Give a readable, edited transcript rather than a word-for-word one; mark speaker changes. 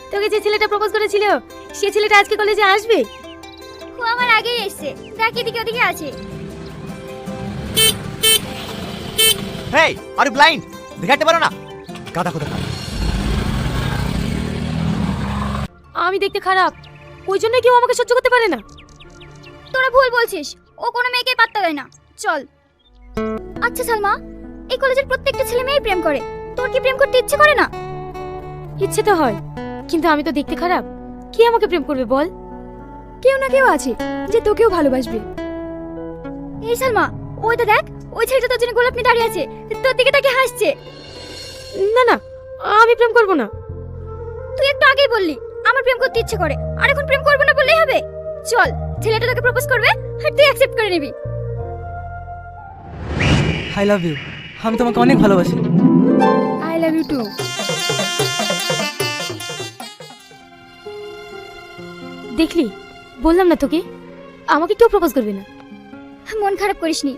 Speaker 1: তোকে যে ছেলেটা প্রপোজ করেছিল সে ছেলেটা আজকে কলেজে আসবে?
Speaker 2: ও আমার আগেই এসেছে, দেখ এদিকে ওদিকে আছে।
Speaker 3: হেই, আর ব্লাইন্ড দেখাতে পারো না? গাদা কোথা?
Speaker 1: আমি দেখতে খারাপ, ওই জন্য কেউ আমাকে সহ্য করতে পারে না।
Speaker 2: তোরা ভুল বলছিস, ও কোনো মেয়েকে পাত্তা দেয় না। চল। আচ্ছা সালমা, এই কলেজের প্রত্যেকটা ছেলে মেয়েই প্রেম করে, তোর কি প্রেম করতে ইচ্ছে করে না?
Speaker 1: ইচ্ছে তো হয়, কিন্তু আমি তো দেখতে খারাপ, কে আমাকে প্রেম করবে বল?
Speaker 2: কেউ না কেউ আছে যে তোকেও ভালোবাসবে। এই সালমা, ওই তো দেখ, ওই ছেলেটা তোর জন্য গোলাপ নিয়ে দাঁড়িয়ে আছে, তোর দিকে তাকে হাসছে।
Speaker 1: না না, আমি প্রেম করব না।
Speaker 2: তুই একটু আগেই বললি আমার প্রেম করতে ইচ্ছে করে, আর এখন প্রেম করবো না বললেই হবে? চল, ছেলেটা তোকে প্রপোজ করবে আর তুই অ্যাকসেপ্ট করে নিবি।
Speaker 4: আই লাভ ইউ, আমি তোমাকে অনেক ভালোবাসি।
Speaker 1: I love you too. দেখলি, বললাম না তোকে, আমাকে কেউ প্রপোজ করবে না।
Speaker 2: মন খারাপ করিসনি,